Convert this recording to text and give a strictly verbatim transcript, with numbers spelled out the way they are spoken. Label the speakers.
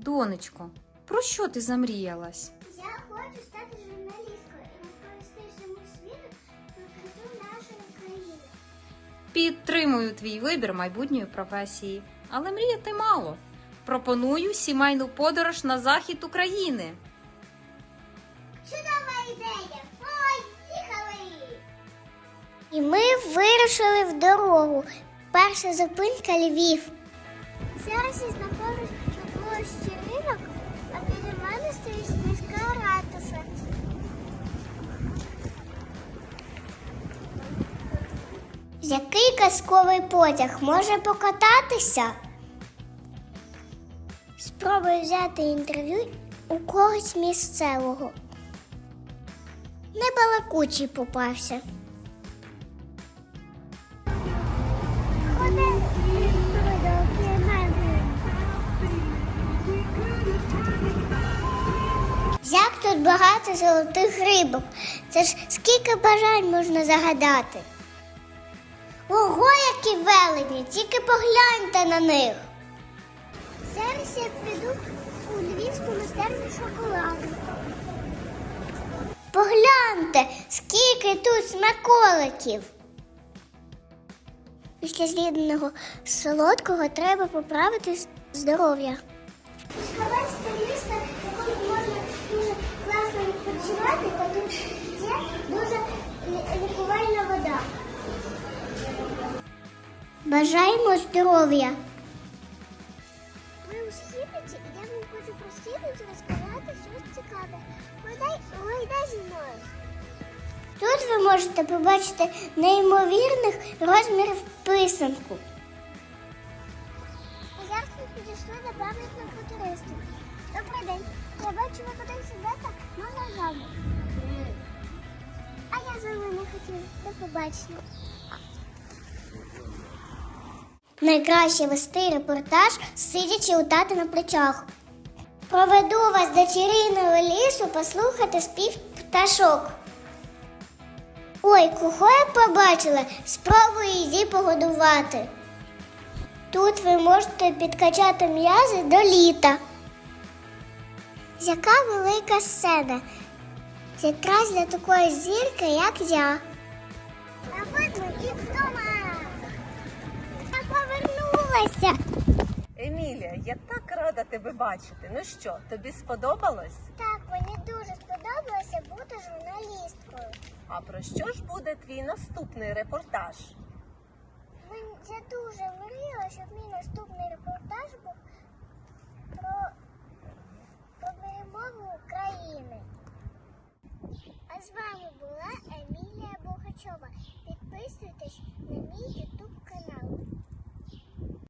Speaker 1: Донечко, про що ти замріялась?
Speaker 2: Я хочу стати журналісткою і розповісти всьому світу про красу нашої країни.
Speaker 1: Підтримую твій вибір майбутньої професії, але мріяти мало. Пропоную сімейну подорож на захід України.
Speaker 2: Чудова ідея! Поїхали! І ми вирушили в дорогу. Перша зупинка Львів. Зараз я знаходжусь на площі Ринок, а біля мене стоїть міська ратуша. Який казковий потяг може покататися? Спробую взяти інтерв'ю у когось місцевого. Небалакучий попався. Як тут багато золотих рибок. Це ж скільки бажань можна загадати. Ого, які велені, тільки погляньте на них. Зараз я піду у львівську майстерню шоколаду. Погляньте, скільки тут смаколиків. Після з'їденого солодкого треба поправити здоров'я. Сховайся місто, в якому можна дуже класно відпочивати, та тут є дуже лікувальна вода. Бажаємо здоров'я. Ми у східниці, і я вам хочу про східницю розказати щось цікаве. Гойдай, гойдай зі мною. Тут ви можете побачити неймовірних розмірів писанку. А зараз ми підійшли до пам'ятного футуристів. Добрий день. Я бачу, ви кудись йдете, можна з вами? А я з вами не хотіла. До побачення. Найкраще вести репортаж, сидячи у тата на плечах. Проведу вас до чарівного лісу послухати спів пташок. Ой, кого я побачила? Спробую її погодувати. Тут ви можете підкачати м'язи до літа. Яка велика сцена. Якраз для такої зірки, як я. А от ми і вдома. Я повернулася.
Speaker 3: Емілія, я так рада тебе бачити. Ну що, тобі сподобалось?
Speaker 2: Так, мені дуже сподобалося бути журналісткою.
Speaker 3: А про що ж буде твій наступний репортаж?
Speaker 2: Мен- Я дуже мріяла, щоб мій наступний репортаж був про, про перемогу України. А з вами була Емілія Богачова. Підписуйтесь на мій ютуб канал.